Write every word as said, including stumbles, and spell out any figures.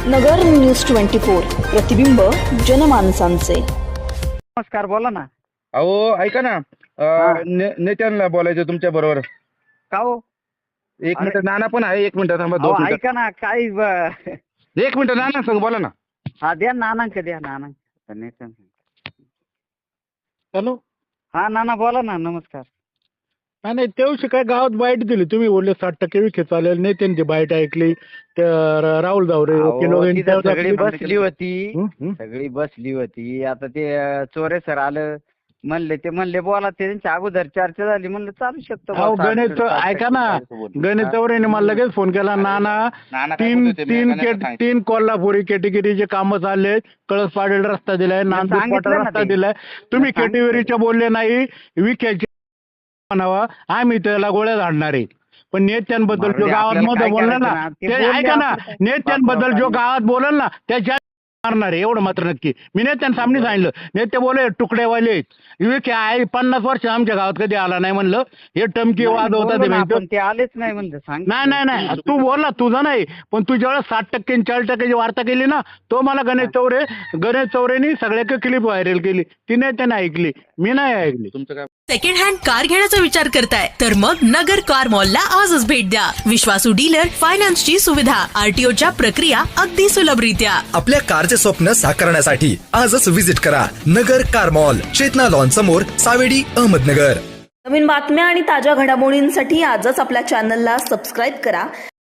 नगर news twenty four, प्रतिबिंब जनमानसांचे। नमस्कार, बोला ना। अहो ऐका ना, अं, ने- नेत्यांना बोलायचं तुमच्या बरोबर. का हो? एक अरे- मिनिट, नाना पण आहे. एक मिनिट थांबा, अहो, दोन मिनिट. ऐका ना, काय ब- एक मिनिट, नाना सांग, बोला ना. हा द्या नानांक द्या नानांक. नेत्यांक. हॅलो. हा नाना बोला ना. नमस्कार. नाही नाही, तेवढी काय गावात बाईट दिली तुम्ही, बोलले साठ टक्के विखे चालेल. नेत्यांची बाईट ऐकली. त्या र- राहुल जावरे अहो, ते लोक तिथं इंटरव्ह्यू सगळी आपली- बसली होती. हं, हं. सगळी बसली होती. आता ते अं, चोरे सर आलं म्हणले, ते म्हणले बोला. त्यांच्या अगोदर चर्चा झाली, म्हणलं चालू शकतो बुवा, अहो साठ- गणेश साठ टक्के ऐका ना, चाळीस बोल. गणेश हा. चौरेने मला लगेच फोन केला. नाना नाना काय तीन बोलत होते, मी तीन गणेशला केट- सांगितलं. तीन कोल्हापुरी कॅटेगरीचे कामं चालले. कळस पाडेल रस्ता दिलाय, नांदूर सांगितलं पाटा ना रस्ता ते. दिलाय. तुम्ही सांगितलं. कॅटेगरीचे बोलले नाही. विखेचे म्हणावा, आम्ही त्याला गोळ्या झाडणार आहे. पण नेत्यांबद्दल मारू जो दे, गावात आपल्याला मध्ये काय बोलला करायचं ना, ना, ते ते बोलले ऐका ना, आपलं काय. नेत्यांबद्दल जो बापराव, गावात बोलल ना त्याच्या मारणार आहे, एवढं मात्र नक्की. मी नेत्यांसामने सांगितलं. नेते बोले तुकडेवाले आहेत. विखे आहे पन्नास वर्ष आमच्या गावात कधी आला नाही म्हणलं. हे टमकी नाही, वाद होता बोललो ते ना माहिती. आपण, ते आलेच नाही म्हणलं. सांग. नाही नाही नाही, तू बोलला तुझा नाही, पण तू ज्यावेळेस साठ टक्के आणि चाळीस टक्क्याची वार्ता केली ना, तो मला गणेश चौरे गणेश चौरेनी सगळ्या क्लिप व्हायरल केली. तिने त्याने ऐकली, मी नाही ऐकली. तुमचं काय? सेकंड हँड कार घेण्याचा विचार करताय तर मग नगर कार मॉलला आजच भेट द्या. विश्वासू डीलर, फायनान्सची सुविधा, आरटीओच्या प्रक्रिया अगदी सुलभरित्या. आपल्या कारचे स्वप्न साकारण्यासाठी आजच विजिट करा Nagar car mall, Chetna lawn समोर, सावेडी, अहमदनगर. नवीन बातम्या आणि ताज्या घडामोडींसाठी आजच आपल्या चॅनलला सबस्क्राईब करा